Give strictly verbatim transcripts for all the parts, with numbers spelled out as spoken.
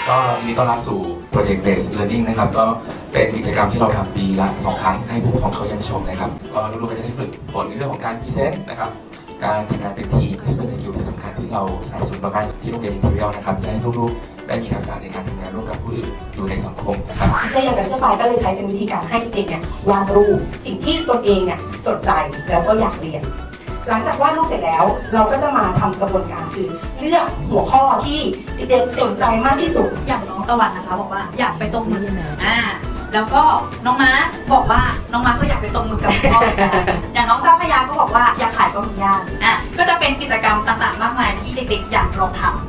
ก็ยินดีต้อนรับสู่ Project Based Learning นะครับก็เป็นกิจกรรมที่เราทำปีละสองครั้งให้ผู้ปกครองเขาเยี่ยมชมนะครับก็ลูกๆก็จะได้ฝึกฝนในเรื่องของการพรีเซนต์นะครับการทำงานเป็นทีมซึ่งเป็นสกิลที่สำคัญที่เราสนับสนุนมาบ้างที่โรงเรียน Imperial นะครับให้ลูกๆได้มีทักษะในการทำงานร่วมกับผู้อื่นอยู่ในสังคมนะครับก็อย่างไรเช่นไปก็เลยใช้เป็นวิธีการให้เด็กเนี่ยวาดรูปสิ่งที่ตนเองเนี่ยจดใจแล้วก็อยากเรียนหลังจากวาดรูปเสร็จแล้วเราก็จะมาทำกระบวนการคือเลือกหัวข้อที่เด็กๆสนใจมากที่สุดอย่างน้องตะวันนะคะบอกว่าอยากไปตรงมืออ่าแล้วก็น้องม้าบอกว่าน้องม้าก็อยากไปตรงมือกับพ่ออย่างน้องเจ้าพยาก็บอกว่าอยากขายปลาหมึกย่างอ่ะก็จะเป็นกิจกรรมต่างๆมากมายที่เด็กๆอยากลองทำ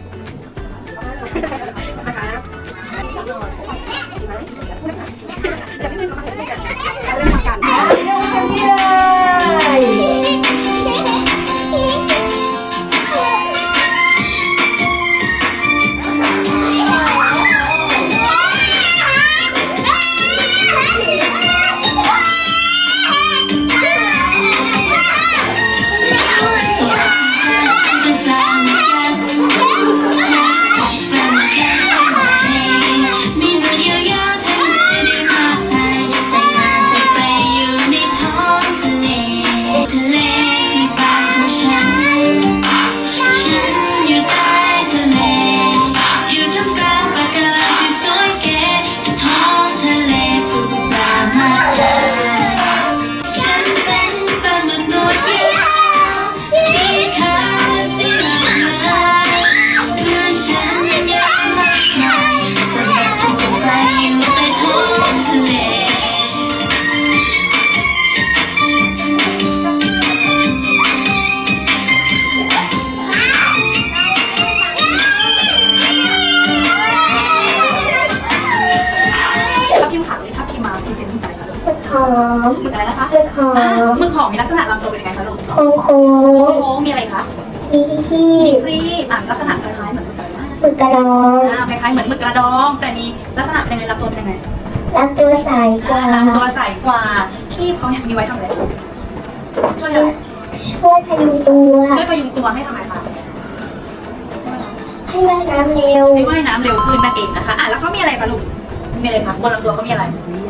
หมึกอะไรนะคะหมึกหอมหมึกหอมมีลักษณะลำตัวเป็นยังไงคะลูกโค้งโค้งโค้งมีอะไรคะมีขี้มีครีบอ่ะลักษณะคล้ายๆเหมือนหมึกกระดองอ่าคล้ายๆเหมือนหมึกกระดองแต่มีลักษณะเป็นยังไงลำตัวเป็นยังไงลำตัวใสกว่าลำตัวใสกว่าขี้เขาเนี่ยมีไว้ทำอะไรช่วยอะไรช่วยพยุงตัวช่วยพยุงตัวให้ทำไมคะให้ว่ายน้ำเร็วให้ว่ายน้ำเร็วขึ้นนั่นเองนะคะอ่ะแล้วเขามีอะไรคะลูกมีอะไรคะบนลำตัวเขามีอะไร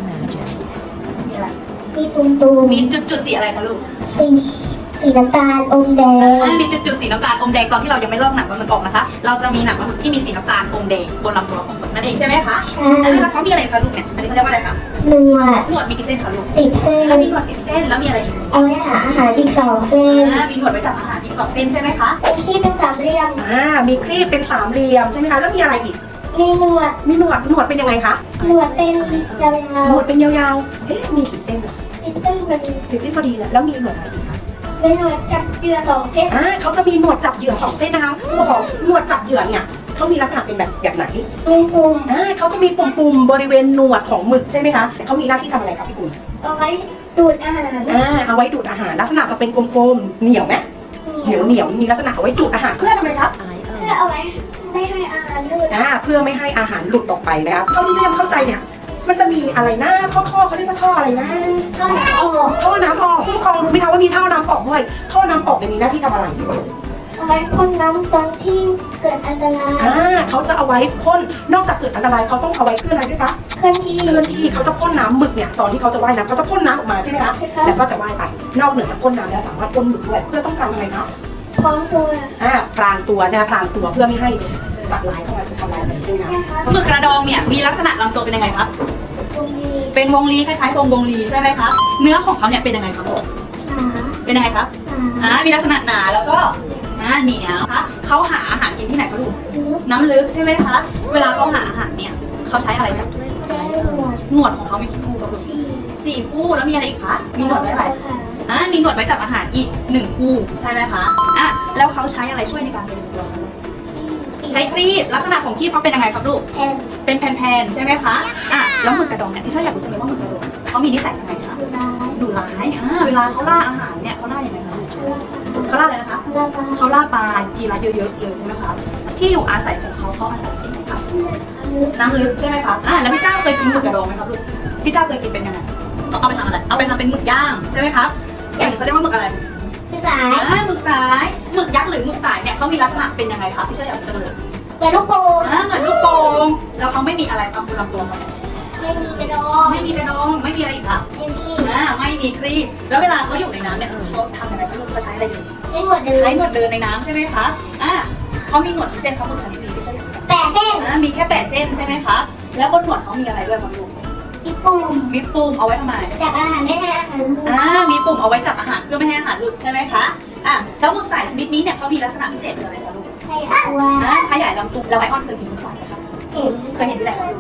มีตุ่มตุ่มมีจุดจุดสีอะไรคะลูกสีสีน้ำตาลอมแดงมีจุดจุดสีน้ำตาลอมแดงตอนที่เรายังไม่ลอกหนังปลาหมึกออกนะคะเราจะมีหนังปลาหมึกที่มีสีน้ำตาลอมแดงบนลำตัวของหมึกนั่นเองใช่ไหมคะใช่แล้วเขามีอะไรคะลูกเนี่ยอันนี้เขาเรียกว่าอะไรคะหนวดหนวดมีกี่เส้นคะลูกสิบเส้นแล้วมีหนวดสิบเส้นแล้วมีอะไรอีกเอาไว้หาอาหารอีกสองเส้นมีหนวดไว้จับอาหารอีกสองเส้นใช่ไหมคะมีครีบเป็นสามเหลี่ยมอ่ามีครีบเป็นสามเหลี่ยมใช่ไหมคะแล้วมีอะไรอีกมีหนวดมีหนวดหนวดเป็นยังไงคะหนวดเป็นยาวๆหนวดเป็นยาวๆเอ๊ะมีกี่เส้นสิบเส้นพอดีสิบเส้นพอดีแล้วมีหนวดอะไรอีกคะมีหนวดจับเหยื่อสองเส้นอ่าเขาจะมีหนวดจับเหยื่อสองเส้นนะคะผู้ปกครองหนวดจับเหยื่อเนี่ยเขามีลักษณะเป็นแบบแบบไหนมีปุ่มอ่าเขาจะมีปุ่มๆบริเวณหนวดของหมึกใช่ไหมคะเขามีหน้าที่ทำอะไรครับพี่กุลเอาไว้ดูดอาหารอ่าเอาไว้ดูดอาหารลักษณะจะเป็นกลมๆเหนียวไหมเหนียวเหนียวมีลักษณะเอาไว้ดูดอาหารเพื่อทำไมครับเพื่อเอาไว้ไม่ให้อาหารหลุดอ่าเพื่อไม่ให้อาหารหลุดออกไปนะครับเท่าที่ยังเข้าใจเนี่ยมันจะมีอะไรนะท่อท่อเขาเรียกว่าท่ออะไรนะท่อน้ำออกท่อน้ำออกผู้ปกครองรู้ไหมคะว่ามีท่อน้ำออกด้วยท่อน้ำออกเนี่ยมีหน้าที่ทำอะไรเอาไว้พ่นน้ำตอนที่เกิดอันตรายอ่าเขาจะเอาไว้พ่นนอกจากเกิดอันตรายเขาต้องเอาไว้เพื่ออะไรด้วยคะเคลื่อนที่เคลื่อนที่เขาจะพ่นน้ำหมึกเนี่ยตอนที่เขาจะว่ายน้ำเขาจะพ่นน้ำออกมาใช่ไหมคะแล้วก็จะว่ายไปนอกเหนือจากพ่นน้ำแล้วสามารถพ่นหมึกด้วยเพื่อต้องการอะไรคะพร้อมตัวอ่าพรางตัวเนี่ยพรางตัวเพื่อไม่ให้สัตว์ร้ายเข้ามาทำร้ายใช่ไหมคะหมึกกระดองเนี่ยมีลักษณะลำตัวเป็นยังไงครับเป็นวงรีคล้ายๆทรงวงรีใช่ไหมคะเนื้อของเขาเนี่ยเป็นยังไงครับลูกเป็นยังไงครับอ่ามีลักษณะหนาแล้วก็อ่าเหนียวคะเขาหาอาหารกินที่ไหนคะลูกน้ำลึกใช่ไหมคะเวลาเขาหาอาหารเนี่ยเขาใช้อะไรจับหนวดของเขามีกี่คู่ครับลูกสี่คู่แล้วมีอะไรอีกคะมีหนวดไว้ไหมอ่ามีหนวดไว้จับอาหารอีกหนึ่งคู่ใช่ไหมคะอ่ะแล้วเขาใช้อะไรช่วยในการเป็นตัวใช้ครีบลักษณะของครีบเขาเป็นยังไงครับลูกเป็นแผ่นๆใช่ไหมคะอ่ะแล้วหมึกกระดองเนี่ยที่ชอบอยากรู้จังเลยว่าหมึกกระดองเขามีนิสัยยังไงคะดุร้ายอ่าเวลาเขาล่าอาหารเนี่ยเขาล่าอย่างไรคะเขาล่าอะไรนะคะเขาล่าปลาทีละเยอะๆเลยใช่ไหมคะที่อยู่อาศัยของเขาเขาอาศัยที่ไหนคะน้ำลึกใช่ไหมคะอ่าแล้วพี่เจ้าเคยกินหมึกกระดองไหมครับลูกพี่เจ้าเคยกินเป็นยังไงเอาไปทำอะไรเอาไปทำเป็นหมึกย่างใช่ไหมครับเขาเรียกว่าหมึกอะไรหมึกสายหมึกสายหมึกยักษ์หรือหมึกสายเนี่ยเขามีลักษณะเป็นยังไงคะที่ชอบอยากรู้จังเลยเป็นลูกโป่งอ่าเหมือนลูกโป่งแล้วเขาไม่มีอะไรครับคุณลำตัวเขาเนี่ยไม่มีกระดองไม่มีกระดองไม่มีอะไรอีกครับไม่มีอ่าไม่มีครีบแล้วเวลาเขาอยู่ในน้ำเนี่ยเขาทำยังไงคะลูกเขาใช้อะไรอยู่ไม่หมดเลยใช้หนวดเดินในน้ำใช่ไหมคะอ่าเขามีหนวดกี่เส้นเขาฝึกชนิดนี้ไม่ใช่เหรอแปะเส้นอ่ามีแค่แปดเส้นใช่ไหมคะแล้วบนหนวดเขามีอะไรด้วยครับลูกมีปุ่มมีปุ่มเอาไว้ทำไมจับอาหารได้นะอาหารอ่ามีปุ่มเอาไว้จับอาหารเพื่อไม่ให้อาหารหลุดใช่ไหมคะอ่าแล้วหมึกสายชนิดนี้เนี่ยเขามีลักษณะพิเศษคืออะไรคะลูกใช่ตัวอ่าขยายลำตัวแล้วไอออนเคยเห็นหมึกสายไหมคะเห็นเคยเห็นที่ไหนคะลูก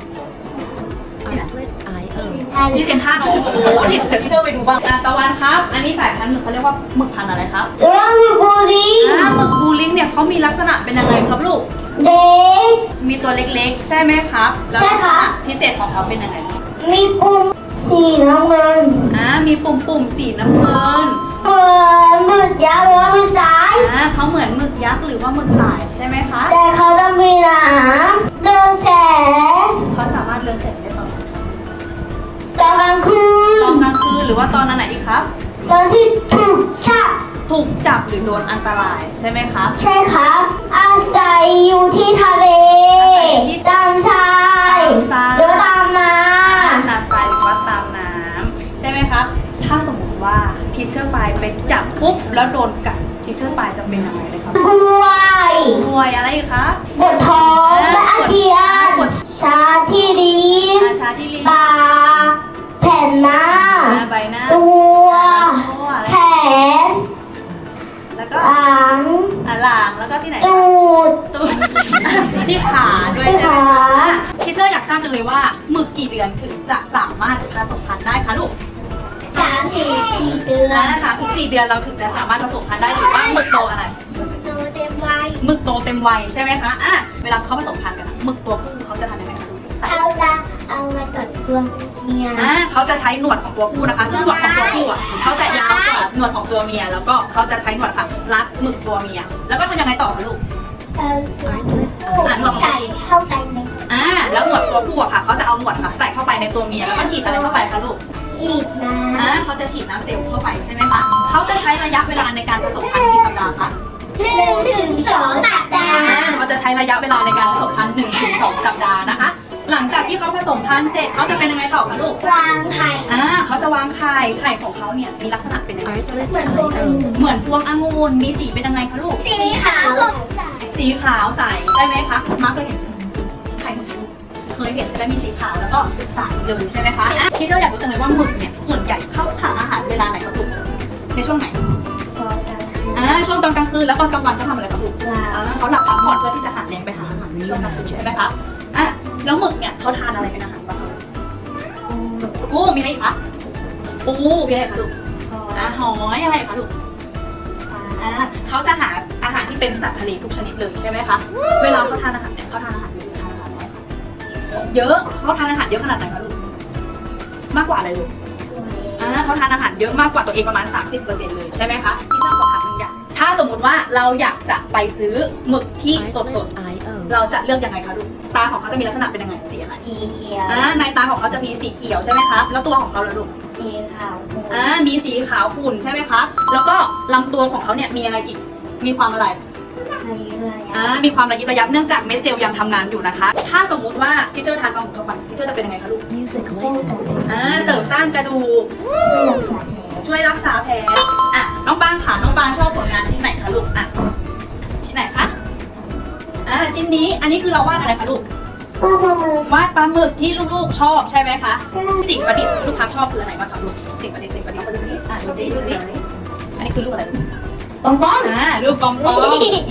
Artlist ไอ โอทานที่เซ็นทรัลโอ้โหนี่เดี๋ยวที่เชอร์ไปดูบ้างอ่ะตะวันครับ อันนี้สายพันธุ์หมึกเขาเรียกว่าหมึกพันธุ์อะไรครับเรื่องมีบุรีอ่าหมึกบูลิงเนี่ยเขามีลักษณะเป็นยังไงครับลูกเด็กมีตัวเล็กๆ ใช่ไหมครับแล้วใช่ค่ะพิเศษของเขาเป็นยังไงมีปุ่มสีน้ำเงินอ่ามีปุ่มปุ่มๆสีน้ำเงินเหมือนหมึกยักษ์หรือว่าหมึกสายอ่าเขาเหมือนหมึกยักษ์หรือว่าหมึกสายใช่ไหมคะแต่เขาจะมีหนามเรืองแสงเขาสามารถเลือนแสงได้ตอนไหนตอนกลางคืตอน นกลางคืนหรือว่าตอนนั้นไหนอีกครับตอนที่ถูกชักถูกจับหรือโดนอันตรายใช่ไหมครับใช่ครับ อาศัยอยู่ที่ทะเล ตามชายหรือตามน้ตามทรายหรือว่าตามน้ำใช่ไหมครับ ถ้าสมมติว่าทีเชอร์ปลายไปจับปุ๊บแล้วโดนกัดทีเชอร์ปลายจะเป็นยังไงเลยครับำกล้วยป่วยอะไรอีกคะปวดท้องและอาเจียน ชาที่ลิ้นอาชาที่ลิ้นปากแผ่นหน้าอ่าใบหน้าตัวตัวอะไรแขนแล้วก็หลังอ่าหลังแล้วก็ที่ไหนตูดตูด ที่ขาด้วยใช่ไหมที่คะขาทีเชอร์อยากทราบจังเลยว่าหมึกกี่เดือนถึงจะสามารถผสมพันธุ์ได้คะลูกสามสี่สี่เดืออ่าน สามถึงสี่เดือนเราถึงจะสามารถผสมพันธุ์ได้หรือว่าหมึกโตอะไรตัวเต็มวัยหมึกโตเต็มวัยใช่ไหมคะอ่ะเวลาเขาผสมพันธุ์กันอะหมึกตัวผู้เขาจะทำยังไงคะลูกเขาจะเอามาตัดตัวเมียอ่าเขาจะใช้หนวดของตัวผู้นะคะซึ่งหนวดของตัวผู้อ่ะเขาจะยาวกว่าหนวดของตัวเมีย แล้วก็เขาจะใช้หนวดค่ะรัดหมึกตัวเมีย แล้วก็ทำยังไงต่อคะลูกเออ Artlist ไออ่ะหนวดของใส่เข้าไปไหมอ่าแล้วหนวดตัวผู้อะค่ะเขาจะเอาหนวดค่ะใส่เข้าไปในตัวเมียแล้วก็ฉีดอะไรเข้าไปคะลูกจีบน้อ่าเขาจะฉีดน้ำเซลล์เข้าไปใช่ไหมคะเขาจะใช้ระยะเวลาในการผสมพันธุ์กี่สัปดาห์คะำหนึ่งถึงสองสัปดาอ่าห์เขาจะใช้ระยะเวลาในการผสมพันธุ์หนึ่งถึงสองสัปดาห์นะคะ หลังจากที่เขาผสมพันธุ์เสร็จเขาจะเป็นยังไงต่อคะลูกวางไข่อ่าเขาจะวางไข่ไข่ของเขาเนี่ยมีลักษณะเป็นยังไง Artlist เหมือนไอตัวโออื่นเหมือนพวงองุ่นมีสีเป็นยังไงคะลูกสีขาวสีขาวใสใช่ไหมคะมาเคยเห็นไข่หมึกลูกเคยเห็นจะมีสีขาวแล้วก็ใสเลยใช่ไหมคะอ่ะที่เราอยากรู้จังเลยว่าหมึกเนี่ยส่วนใหญ่เข้าหาอาหารเวลาไหนครับลูกในช่วงไหนตอนกลางคืนอ่าช่วงตอนกลางคืนแล้วตอนกลางวันเขาทำอะไรครับลูกหลับอ่าเขาหลับพักผ่อนเพื่อที่จะหาแรงไปหาอาหารในช่วงกลางคืนใช่ไหมคะอ่ะแล้วหมึกเนี่ยเขาทานอะไรเป็นอาหารบ้างคะปูมีอะไรอีกคะปูมีอะไรคะลูกอ่าหอยอะไรคะลูก อ่าเขาจะหาอาหารที่เป็นสัตว์ทะเลทุกชนิดเลยใช่ไหมคะ เวลาเขาทานอาหารเนี่ยเขาทานอาหารเยอะหรือทานอาหารน้อยคะเยอะเขาทานอาหารเยอะขนาดไหนคะลูก มากกว่าอะไรลูก อ่าเขาทานอาหารเยอะมากกว่าตัวเองประมาณ สามสิบเปอร์เซ็นต์ เลยใช่ไหมคะที่ชอบขอถามหนึ่งอย่างถ้าสมมุติว่าเราอยากจะไปซื้อหมึกที่สด Artlist ไอ โอๆ เราจะเลือกยังไงคะลูก ตาของเขาจะมีลักษณะเป็นยังไงสีอะไรสีเขียวอ่าในตาของเขาจะมีสีเขียวใช่ไหมคะ แล้วตัวของเขาล่ะลูกสีขาวอ่า มีสีขาวขุ่นใช่ไหมคะ แล้วก็ลำตัวของเขาเนี่ยมีอะไรอีก มีความอะไรในเรืออ่า มีความระยิบระยับเนื่องจากเม็ดเซลล์ยังทำงานอยู่นะคะ ถ้าสมมุติว่าที่เจอทานปลาหมึกเข้าไปที่เจอจะเป็นยังไงคะลูก Music Licensing อ่า เสริมสร้างกระดูก ช่วยรักษาแผล อ่ะ น้องปางค่ะ น้องปางชอบผลงานชิ้นไหนคะลูก อ่ะ ชิ้นไหนคะ อ่า ชิ้นนี้ อันนี้คือเราวาดอะไรคะลูกป้าประเมินวาดปลาหมึกที่ลูกๆชอบใช่ไหมคะ สิ่งประดิษฐ์ที่ลูกค้าชอบคืออะไรบ้างคะลูก สิ่งประดิษฐ์สิ่งประดิษฐ์อ่ะดูสิดูสิอันนี้คือรูปอะไรลูกปองปองอ่ารูปปอมปอม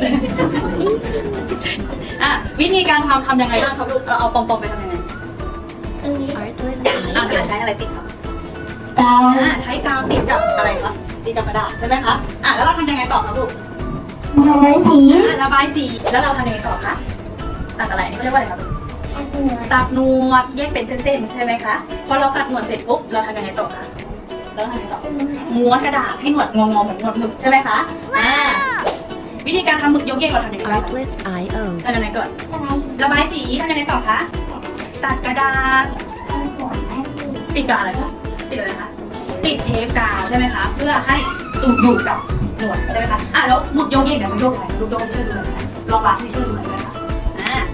อ่ะวิธีการทำทำยังไงบ้างครับลูกเราเอาปอมปอมไปทำยังไงตรงนี้ Artlist อ่าไอ โอใช้อะไรติดครับดาวอ่าใช้กาวติดกับอะไรครับติดกับกระดาษใช่ไหมคะอ่ะแล้วเราทำยังไงต่อครับลูกทำไมสีอ่ะระบายสีแล้วเราทำยังไงต่อคะตัดอะไรอันนี่เขาเรียกว่าอะไรครับอันเหนือตัดหนวดแยกเป็นเส้นๆใช่ไหมคะพอเราตัดหนวดเสร็จปุ๊บเราทำยังไงต่อคะเราทำยังไงต่อม้วนกระดาษให้หนวดงอๆเหมือนหนวดหมึกใช่ไหมคะอ่าวิธีการทำหมึกยกเยกเราทำยังไงบ้าง Artlist ไอ โอทำยังไงก่อนทำไมสีระบายสีทำยังไงต่อคะตัดกระดาษอันหัวอันสีติดกับอะไรคะติดอะไรคะติดเทปกาวใช่ไหมคะเพื่อให้ตูดอยู่กับหนวดใช่ไหมคะอ่ะแล้วหมึกโยกเองเนี่ยมันโยกอะไรลูกโยกให้ช่วยดูหน่อยนะคะลองวางให้ช่วยดูหน่อยได้ไหมคะอ่า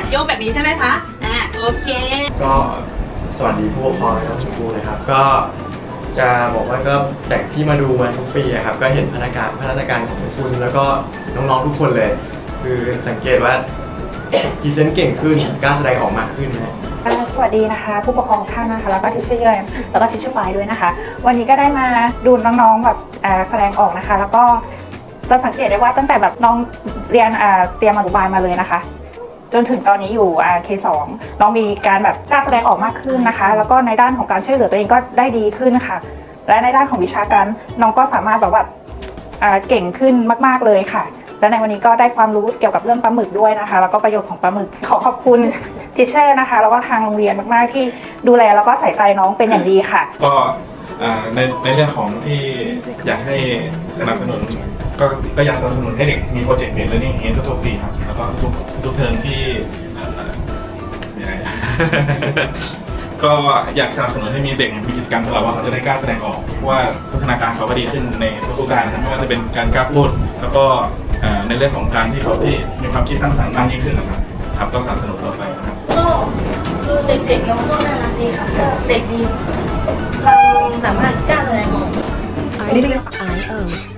โยกแบบนี้ใช่ไหมคะ อ่า โอเคก็สวัสดีผู้ปกครองและคุณครูนะครับก็จะบอกว่าก็จากที่มาดูมาทุกปีอะครับก็เห็นพัฒนาการพัฒนาการของคุณแล้วก็น้องๆทุกคนเลย คือสังเกตว่าพรีเซนต์เก่งขึ้นกล้าแสดงออกมากขึ้นนะอ่าสวัสดีนะคะผู้ปกครองทุกท่านนะคะแล้วก็ทิชเชอร์เยนแล้วก็ทิชเชอร์ปายด้วยนะคะ วันนี้ก็ได้มาดูน้องๆแบบอ่าแสดงออกนะคะ แล้วก็จะสังเกตได้ว่าตั้งแต่แบบน้องเรียนอ่าเตรียมอนุบาลมาเลยนะคะ จนถึงตอนนี้อยู่อ่า เค สอง น้องมีการแบบกล้าแสดงออกมากขึ้นนะคะ แล้วก็ในด้านของการช่วยเหลือตัวเองก็ได้ดีขึ้นค่ะ และในด้านของวิชาการน้องก็สามารถแบบว่าอ่าเก่งขึ้นมากๆเลยค่ะ และในวันนี้ก็ได้ความรู้เกี่ยวกับเรื่องปลาหมึกด้วยนะคะ แล้วก็ประโยชน์ของปลาหมึกขอขอบคุณทิชเชอร์นะคะแล้วก็ทางโรงเรียนมากๆที่ดูแลแล้วก็ใส่ใจน้องเป็นอย่างดีค่ะก็อ่าในในเรื่องของที่อยากให้สนับสนุนก็ก็อยากสนับสนุนให้เด็กมีโปรเจกต์เรียน learning อย่างนี้ทุกๆปีครับแล้วก็ทุกทุกเทอมที่เอ่อยังไง ก็อยากสนับสนุนให้มีเด็กมีกิจกรรมของเราว่าเขาจะได้กล้าแสดงออกเพราะว่าพัฒนาการเขาก็ดีขึ้นในทุกๆด้านนะครับไม่ว่าจะเป็นการกล้าพูดแล้วก็เอ่อในเรื่องของการที่เขาที่มีความคิดสร้างสรรค์มากยิ่งขึ้นนะครับครับก็สนับสนุนต่อไปนะครับก็คือเด็กๆน้องก็น่ารักดีค่ะก็เด็กดีความสามารถกล้าแสดงออก Artlist dot i o